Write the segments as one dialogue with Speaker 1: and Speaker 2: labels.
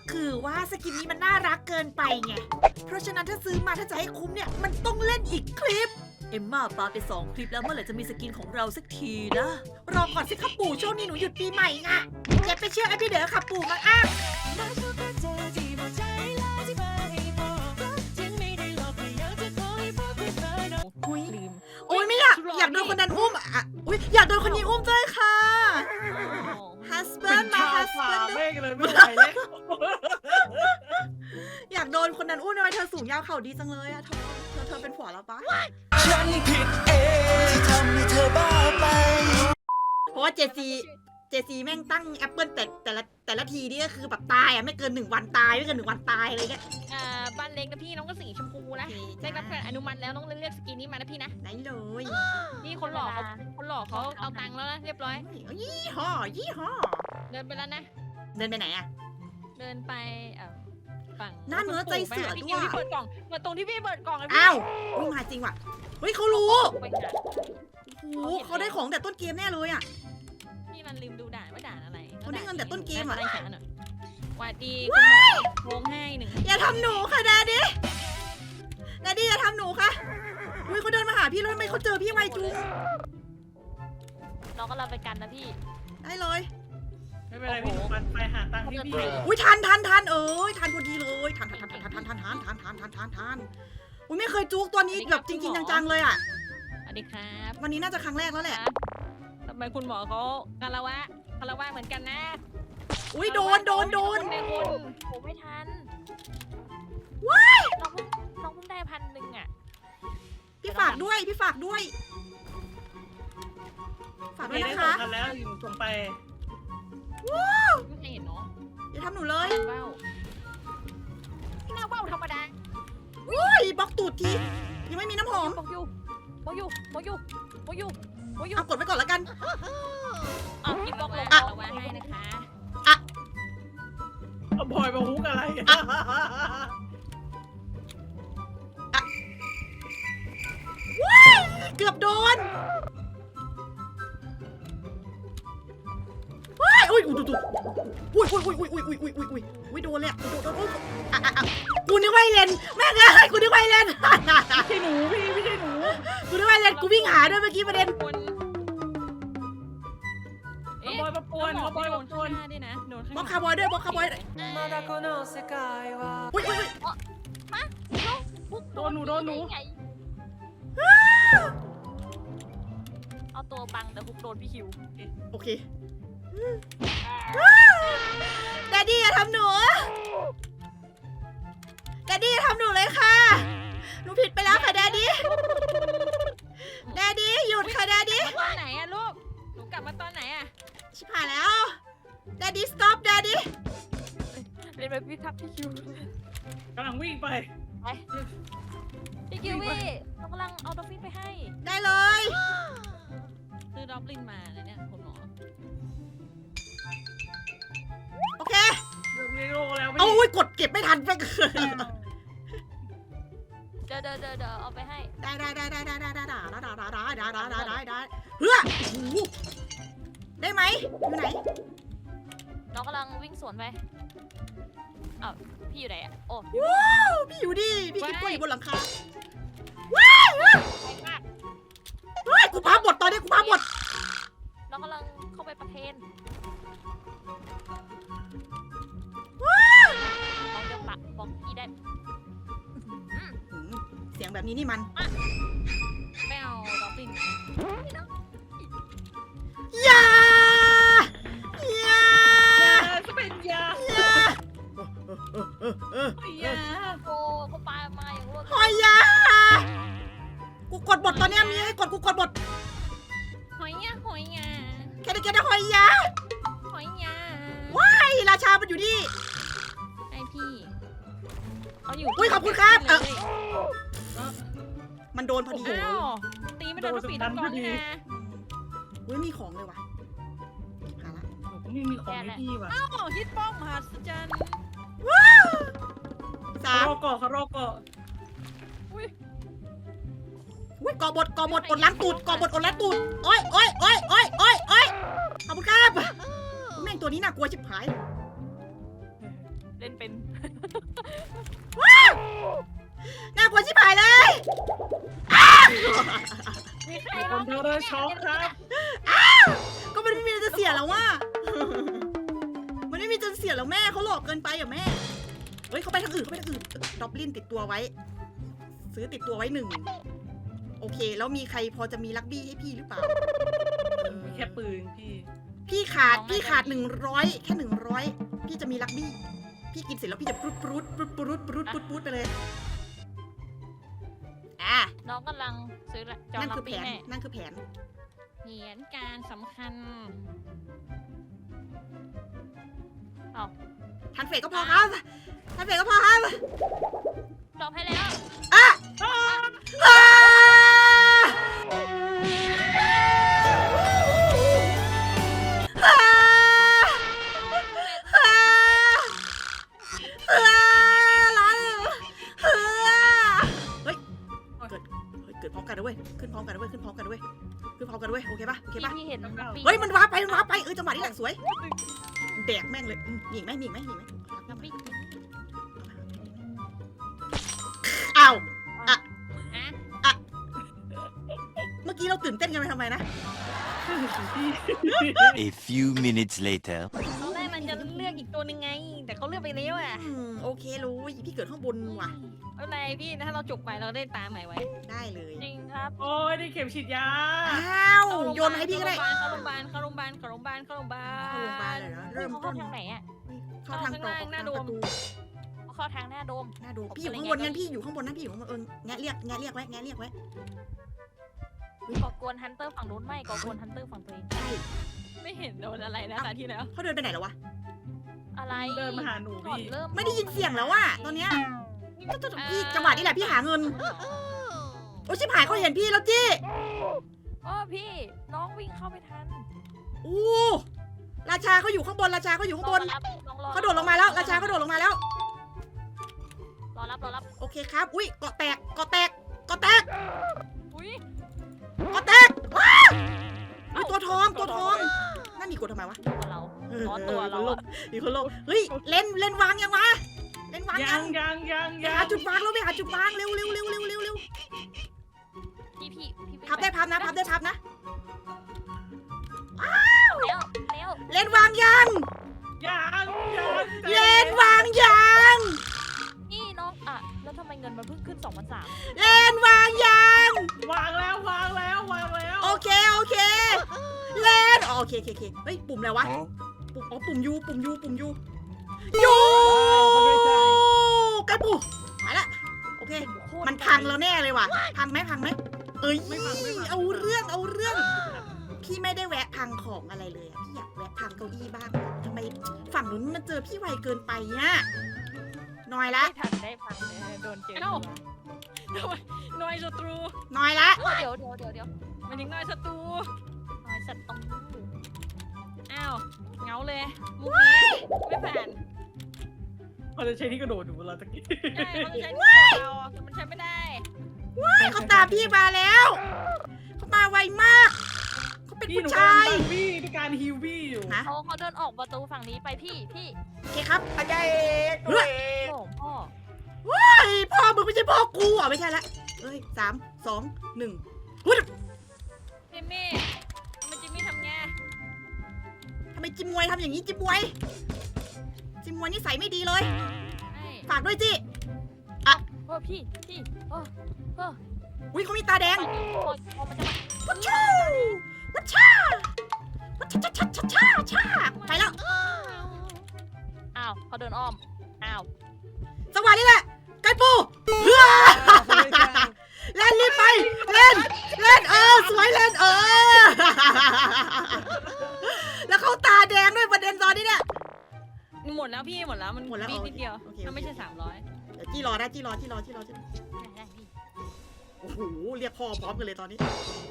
Speaker 1: คือว่าสกินนี้มันน่ารักเกินไปไง เพราะฉะนั้นถ้าซื้อมาถ้าจะให้คุ้มเนี่ยมันต้องเล่นอีกคลิป เอ็มม่าปาไป2 คลิปแล้วเมื่อไหร่จะมีสกินของเราสักทีนะ รอก่อนสิครับปู่ช่วงนี้หนูหยุดปีใหม่ไงอย่าไปเชื่อไอ้พี่เด๋อค่ะปู่มาอ้าง
Speaker 2: ลืม
Speaker 1: โอ้ยไม่อยากโดนคนนั้นอุ้มอ่ะอุ้ยอยากโดนคนนี้อุ้มด้วยค่ะ husband มา husband
Speaker 3: ไม่เลยไม่ไหวแล้ว
Speaker 1: อยากโดนคนนั้นอุ้มทำไมเธอสูงยาวเข่าดีจังเลยอะเธอเป็นผัวแล้วปะ
Speaker 4: ฉันผิดเองที่ทำให้เธอบ้าไป
Speaker 1: เพราะว่าเจซีแม่งตั้งแอปเปิลแต่ละทีนี่ก็คือแบบตายอะไม่เกิน1 วันตายไม่เกิน1 วันตายอะไรเงี้ย
Speaker 2: บ้านเล็กนะพี่น้องก็สีชมพูนะ
Speaker 1: โอเค
Speaker 2: ได้รับการอนุมัติแล้วน้องเลือกสกินนี้มานะพี่นะ
Speaker 1: ไหนเลย
Speaker 2: นี่คนหล่อเขาเอาตังค์แล้วนะเรียบร้อย
Speaker 1: ยี่ห้อ
Speaker 2: เดินไปแล้วนะ
Speaker 1: เดินไปไหนอะ
Speaker 2: เดินไปฝั่ง
Speaker 1: หน้าเนื้อใจเสือด้วย
Speaker 2: พี่เปิดกล่องเปิดตรงที่พี่เปิดกล่องเลยพี่
Speaker 1: อ้าวอุ้ยมาจริงว่ะเฮ้ยเขารู้
Speaker 2: ไปหา
Speaker 1: โอ้โหเขาได้ของแต่ต้นเกมแน่เลยอะ
Speaker 2: พี่มันลืมดูด่านว่าด่านอะไร
Speaker 1: เขาได้เงินแต่ต้นเกมอะ
Speaker 2: ได้ฉันหน่อยสวัสดีคุณหมอโค้งให้1
Speaker 1: อย่าทำหนูค่ะดาดิอย่าทำหนูค่ะอุ้ยเขาเดินมาหาพี่แล้วทำไมเขาเจอพี่ไวจุง
Speaker 2: เราก็เราไปกันนะพี่
Speaker 1: ได้เลย
Speaker 3: ไม่เป็นไรพี่ปันไปหาตังค์ที่พี่
Speaker 1: อุ้ยทันเอ้ยทันพอดีเลยทันอุ้ยไม่เคยจุกตัวนี้แบบจริงๆจังๆเลยอ่ะ
Speaker 2: สวัสดีครับ
Speaker 1: วันนี้น่าจะครั้งแรกแล้วแหละ
Speaker 2: ทำไมคุณหมอเขาคารวะเหมือนกันนะ
Speaker 1: อุ้ยโดน
Speaker 2: ในคุณผมไม่ทัน
Speaker 1: ว้าย
Speaker 2: น้องเพิ่งได้1,000อ่ะ
Speaker 1: พี่ฝากด้วยฝากด้วยนะคะ
Speaker 3: ส่งกันแล้วอยู่ส่งไป
Speaker 2: ไม่เคยเห็นเนาะ
Speaker 1: อย่าทำหนูเลย
Speaker 2: ว้าวที่หน้าว้าวธรรมดา
Speaker 1: อุ้ยบล็อกตูดทียังไม่มีน้ำหอม
Speaker 2: บอกอยู่
Speaker 1: เอากดไว้ก่อนแล้วกัน
Speaker 2: เอาพี่บอกลงคารวะให้นะคะ
Speaker 3: เอาบอยมาฮุกอะไร
Speaker 1: เกือบโดนว้ายอุ้ยดูอุ้ยโดนเลยอ่ะโดนกูนึกว่าไอเลนแม่งเลยกูนึกว่าไอเลน
Speaker 3: ไม่ใช่หนูพี่ไม่ใช่หนู
Speaker 1: กูนึกว่าไอเลนกูวิ่งหาด้วยเมื่อกี้ประเด็น
Speaker 3: เอาบอยมาปวนเอาบอยมาปวน
Speaker 2: ด้วยนะโดน
Speaker 1: บล็อกคาร์บอยด้วยบล็อกคาร์บอยด้วยอุ้ย
Speaker 3: โดนหนู
Speaker 2: เอาตัวบังแต่ฮุกโดนพี่คิว
Speaker 1: โอเคแดดดี้อย่าทำหนูเลยค่ะหนูผิดไปแล้วค่ะแดดดี้หยุดค่ะแดดดี้
Speaker 2: ตอนไหนอะลูกหนูกลับมาตอนไหนอะ
Speaker 1: ชิบหายแล้วแดดดี้ stop แดดดี้
Speaker 2: เรียนแบบพี่ทับพี่คิว
Speaker 3: กำลังวิ่งไป
Speaker 2: พี่คิววี่เรากำลังเอาดอฟฟินไปให้
Speaker 1: ได้เลย
Speaker 2: ซื้อดอฟลินมาแล้วเนี่ยคุณหมอ
Speaker 1: โอเค
Speaker 3: เรื่องนี้โลแล้ว
Speaker 1: เอา
Speaker 3: พี่
Speaker 1: อุ้ยกดเก็บไม่ทันไปเกิน
Speaker 2: เดี๋ยวเอาไปให้
Speaker 1: ได้เพื่อโอ้โหได้ไหมอยู่ไหน
Speaker 2: น้องกำลังวิ่งสวนไปอ้าวพี่อยู่ไหนอะโอ้
Speaker 1: ว้าวพี่อยู่ดิพี่คิดว่าอยู่บนหลังคา
Speaker 2: ไปมาก
Speaker 1: เฮ้ยกูพาบทตอนนี้กูพาบท
Speaker 2: น้องกำลังเข้าไปประเทศน้องจะปักบอกพี่ได้
Speaker 1: เสียงแบบนี้นี่มัน
Speaker 2: ไม่เอาดอฟฟิน
Speaker 1: อย่า
Speaker 3: จะเป็นยา
Speaker 2: โอ้เขาปามาอย่างรวด
Speaker 1: หอยยากูกดบทตอนนี้มีให้กดกูกดบท
Speaker 2: หอยยา
Speaker 1: แค่ได้หอยยา
Speaker 2: หอยยา
Speaker 1: ไอ้ราชามันอยู่นี่
Speaker 2: ไอพี่เขาอยู่
Speaker 1: อุ้ยขอบคุณครับ
Speaker 2: เลย
Speaker 1: มันโดนพอดี
Speaker 2: อ้าวตีไม่โดนทุกปีทุกกองนี่นะ
Speaker 1: อุ้ยมีของเลยว่ะหาละ
Speaker 3: นี่มีของให้พี่ว่ะ
Speaker 2: อ้าวฮิตป้องมหัศจรรย์
Speaker 1: 3
Speaker 3: รอก่อเขารอก่อ
Speaker 1: อุ้ยกอบทอดล้างตูดกอบทอดล้างตูดโอ้ยขอบคุณครับแม่งตัวนี้น่ากลัวชิบหาย
Speaker 2: เล่นเป็น
Speaker 1: น่ากลัวชิบหายเลย
Speaker 2: มีใคร
Speaker 3: มีค
Speaker 2: บ้าง
Speaker 3: นโดนช็อกครับ
Speaker 1: ก็มันไม่มีอะไรจะเสียแล้วว่ะ มันไม่มีจะเสียแล้วแม่เขาหลอกเกินไปอ่ะแม่ เฮ้ยเขาไปทางอื่นดอบลินติดตัวไว้ ซื้อติดตัวไว้1โอเค แล้วมีใครพอจะมีลักบี้ให้พี่หรือเปล่า
Speaker 3: มีแค่ปืนพี่
Speaker 1: พี่ขาด100แค่100พี่จะมีลักบี้ พี่กินเสร็จแล้วพี่จะปรุดไปเลยอ่ะ
Speaker 2: น้องกำลังซื้อจอ
Speaker 1: นั่น
Speaker 2: ลั
Speaker 1: คื
Speaker 2: บ
Speaker 1: อแผ
Speaker 2: บี้
Speaker 1: น
Speaker 2: แม่
Speaker 1: นั่นคือแผน
Speaker 2: แผนการสำคัญ
Speaker 1: ทันเฟกก็พอครับทันเฟกก็พอครับ
Speaker 2: จบให้แล้ว
Speaker 1: อ่ะอ่ะอ่ะอ่ะอ่ะร้อนอ่ะเฮ้ยเกิดพร้อมกันนะเว้ยขึ้นพร้อมกันนะเว้ยโอเคปะ
Speaker 2: พี่เห็นลับบี้
Speaker 1: เฮ้ยมันว้าไปจังหวะนี้แหละสวยแดกแม่งเลยมีอีกไหม
Speaker 2: ลับบี้
Speaker 1: อ้าว
Speaker 2: อะ
Speaker 1: เมื่อกี้เราตื่นเต้นกันไปทำไมนะ
Speaker 4: A few minutes later
Speaker 2: ตอนแรกมันจะเลือกอีกตัวหนึงไง แต่เขาเลือกไปแล้วอ่ะ
Speaker 1: โอเครู้พี่เกิดข้างบนว่ะ
Speaker 2: เอาไหนพี่ถ้าเราจบไปเราได้ตาใหม่ไว้
Speaker 1: ได้เลย
Speaker 2: จริงครับ
Speaker 3: โอ้ยได้เข็มฉีดยา
Speaker 1: อ้าวโยนมาให้พี่ก็ได้
Speaker 2: เข้าโรงพยาบาล
Speaker 1: เข้าโรงพยาบาลเลยนะเริ่ม
Speaker 2: เขา
Speaker 1: ต้
Speaker 2: เข้าน ทางไหนอ่ะ
Speaker 1: เข้าทางตรง
Speaker 2: หน้า
Speaker 1: ทาง
Speaker 2: โด
Speaker 1: ป
Speaker 2: ม
Speaker 1: ระตู
Speaker 2: เขาเข้าทางหน้าโดม
Speaker 1: หน้าดูพี่อยู่ข้างบนงั้นพี่อยู่ข้างบนนะพี่อยู่ข้างบนแงะเรียกไว้
Speaker 2: ก่อกวนฮันเตอร์ฝั่งนู้นไม่ก่อกวนฮันเตอร์ฝั่งตัวเอง
Speaker 1: ใช่
Speaker 2: ไม่เห็นโดนอะไรนะตาที่แล้ว
Speaker 1: เขาเดินไปไหนแล้ววะ
Speaker 2: อะไร
Speaker 3: เดินมาหาหนู
Speaker 2: ก่อน
Speaker 3: พี่
Speaker 2: เริ่ม
Speaker 1: ไม่ได้ยินเสียงแล้วว่ะตอนเนี้ยพี่จังหวะนี้แหละพี่หาเงินโอ้ชิบหายเขาเห็นพี่แล้วจี้
Speaker 2: อ๋อพี่น้องวิ่งเข้าไปทัน
Speaker 1: อู้ราชาเขาอยู่ข้างบนเขาโดดลงมาแล้วราชาเขาโดดลงมาแล้ว
Speaker 2: รอรับ
Speaker 1: โอเคครับอุ้ยเกาะแตก
Speaker 2: อุ้ย
Speaker 1: ว้าวอุ๊ยตัวทองนั่นมีกดทำไมวะ
Speaker 2: ตัวเราอ๋อตัวเราอะ
Speaker 1: มีคนลงเฮ้ยเล่นวางยังวะเล่นวาง
Speaker 3: ยั
Speaker 1: ยัง
Speaker 3: ง
Speaker 1: ไปหาจุดวางแล้วไปหาจุดวางเร็ว
Speaker 2: พี่
Speaker 1: พับได้พับนะ
Speaker 2: แล้ว
Speaker 1: เล่นวางยัง
Speaker 3: ยัง
Speaker 1: เล่นวางยัง
Speaker 2: นี่น้องอ่ะแล้วทำไมเงินมันเพิ่งขึ้น2,300
Speaker 1: เล่นวางยัง
Speaker 3: วางแล้ว
Speaker 1: โอเคเล่นโอเคเฮ้ยปุ่มอะไรวะปุ่มยูกระปุกมาละโอเคมันพังแล้วแน่เลยว่ะพังไหมเอ้ย
Speaker 3: ไม่พัง
Speaker 1: เอาเรื่องพี่ไม่ได้แวะพังของอะไรเลยอะพี่อยากแวะพังเก้าอี้บ้างทำไมฝั่งนู้นมันเจอพี่ไวเกินไปเนี่ยน้อยละ
Speaker 2: ไม่ทันได้พังเลยโดนเจอหน่วยศัตรู
Speaker 1: น้อยละ
Speaker 2: เดี๋ยวมันยังหน่วยศัตรูอ้าวเงาเลยมุกนี้ไม่ผ่าน
Speaker 3: เขาจะใช้ที่กระโดดหนูเราตะกี้
Speaker 2: ใช่เขาจะใช้ที่เราแต่มันใช้ไม่ได้
Speaker 1: เขาตามพี่มาแล้วเขามาไวมากเขาเป็น
Speaker 3: พี่
Speaker 1: ผู้
Speaker 3: หนู
Speaker 1: ชาย
Speaker 3: กำลังบี้ด้วยการฮิวบี้อยู่
Speaker 1: ฮะ
Speaker 2: เขาเดินออกประตูฝั่งนี้ไปพี่
Speaker 1: โอเคครับ
Speaker 5: อาจารย์เอกตัวเอง
Speaker 2: โอ้พ่อ
Speaker 1: ไอ้พ่อมึงไม่ใช่พ่อกูอ่ะไม่ใช่ละเอ้ย3 2 1หุ้ย
Speaker 2: จิมมี่ทำไง
Speaker 1: ทำไมจิมมวยทำอย่างนี้จิมมวยนิสัยไม่ดีเลย ฝากด้วยจิ
Speaker 2: โอ้พี่โอ้
Speaker 1: อุ้ยเขามีตาแดง
Speaker 2: มันจะ
Speaker 1: วัชชูวัชชาไปแล้ว
Speaker 2: อ้าวเขาเดินอ้อมอ้าว
Speaker 1: จังหวะนี้แหละไก่ปูเฮ้ยเล่นรีบไปเล่นสวยเล่นแล้วเขาตาแดงด้วยประเด็นตอนนี้เนี่ย
Speaker 2: หมดแล้วพี่หมดแล้วมัน
Speaker 1: หมดแล้ว
Speaker 2: บีนิดเดียว
Speaker 1: โอเค
Speaker 2: ถ้าไม่ใช่300
Speaker 1: เดี๋ยวจี้รอได้จี้รอ
Speaker 2: ได้พี่
Speaker 1: โอ้โหเรียกพ่อพร้อมกันเลยตอนนี้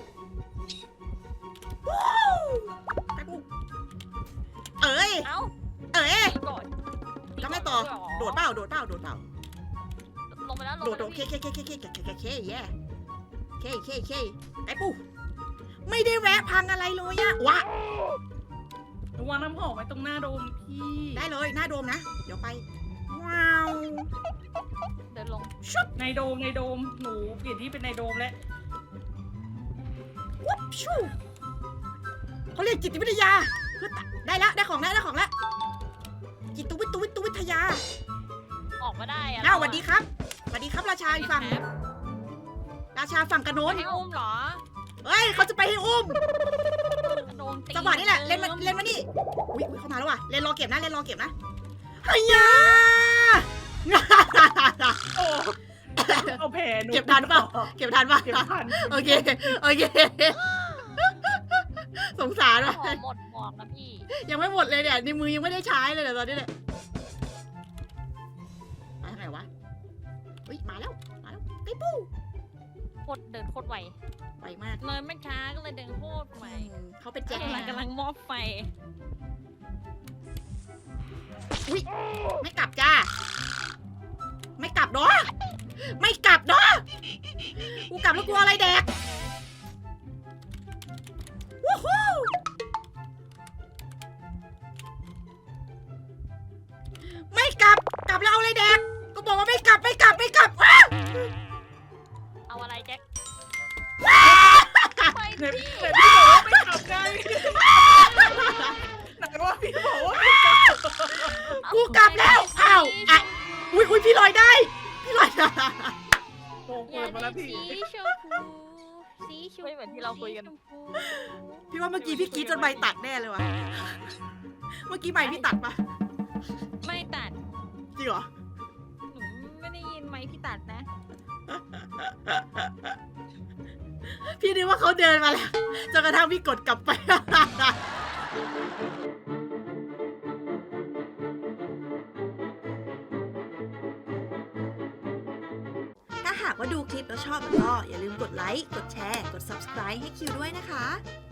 Speaker 1: ไก่ปูเอ้ย
Speaker 2: เอ้า
Speaker 1: ก็
Speaker 2: ตี
Speaker 1: ไม่ต่อ
Speaker 2: ก่น
Speaker 1: โดดเปล่า
Speaker 2: ลงไปแล้ว
Speaker 1: โดดเคแย่เคไอ้ปูไม่ได้แวะพังอะไรเลยอะวะ
Speaker 3: วางน้ำหอมไว้ตรงหน้าโดมพี่
Speaker 1: ได้เลยหน้าโดมนะ เดี๋ยวไปชุบ
Speaker 3: ในโดมหนูเปลี่ยนที่เป็นในโดมแล้ว
Speaker 1: วุบชูเขาเรียกจิตวิทยาเพื่อได้แล้วได้ของแล้วจิตวิทยา
Speaker 2: ออกมาได้อะ
Speaker 1: น้าสวัสดีครับสวัสดีครับราชาอีกฝั่งราชาฝั่งกระโน้น
Speaker 2: ให้อุ้มเหรอ
Speaker 1: เฮ้ยเขาจะไปให้อุ้ม
Speaker 2: โดนตี
Speaker 1: จังหวะนี้แหละเล่นมานี่อุ้ยเข้ามาแล้วว่ะเล่นรอเก็บนะเฮีย
Speaker 3: โอ้เอาแผลหนู
Speaker 1: เก็บทันเปล่าเก็บทัน โอเคสงสารว่ะ
Speaker 2: ขอหมดหมอกนะพี่
Speaker 1: ยังไม่หมดเลยเนี่ยในมือยังไม่ได้ใช้เลยเนี่ยตอนนี้เนี่ยมาทางไหนวะเฮ้ยมาแล้วไอ้ปู
Speaker 2: โคตรเดินโคตรไว
Speaker 1: ไวมาก
Speaker 2: เลยไม่ช้าก็เลยเดินโคตรไว
Speaker 1: เขาเป็นแจ็ค
Speaker 2: กำลังมอบไฟ
Speaker 1: ไม่กลับจ้าไม่กลับเนาะกูกลับแล้วกลัวอะไรแดกวู้ฮู้ไม่กลับแล้วเอาอะไรแดกก็บอกว่าไม่กลับว้าว
Speaker 2: เอาอะไรแจ็ค
Speaker 3: ไหนพี่บอกว่าไม่ขับไงไหนว่าพี่บอกว่าไม่ขับ
Speaker 1: กูกลับแล้วอ้าวอ่ะอุ้ยพี่ลอยได้
Speaker 3: โอ้เปิดมาแล้วพี่
Speaker 2: สีชมพูสีชมพูไม่เหมือนที่เราคุยกัน
Speaker 1: พี่ว่าเมื่อกี้พี่กรีดจนใบตัดแน่เลยว่ะเมื่อกี้ใบพี่ตัดปะ
Speaker 2: ไม่ตัด
Speaker 1: จริงเหรอ
Speaker 2: หนูไม่ได้ยินไหมพี่ตัดนะ
Speaker 1: พี่นึกว่าเขาเดินมาแล้วจนกระทั่งพี่กดกลับไป ถ้าหากว่าดูคลิปแล้วชอบก็อย่าลืมกดไลค์ กดแชร์ กด subscribe ให้คิวด้วยนะคะ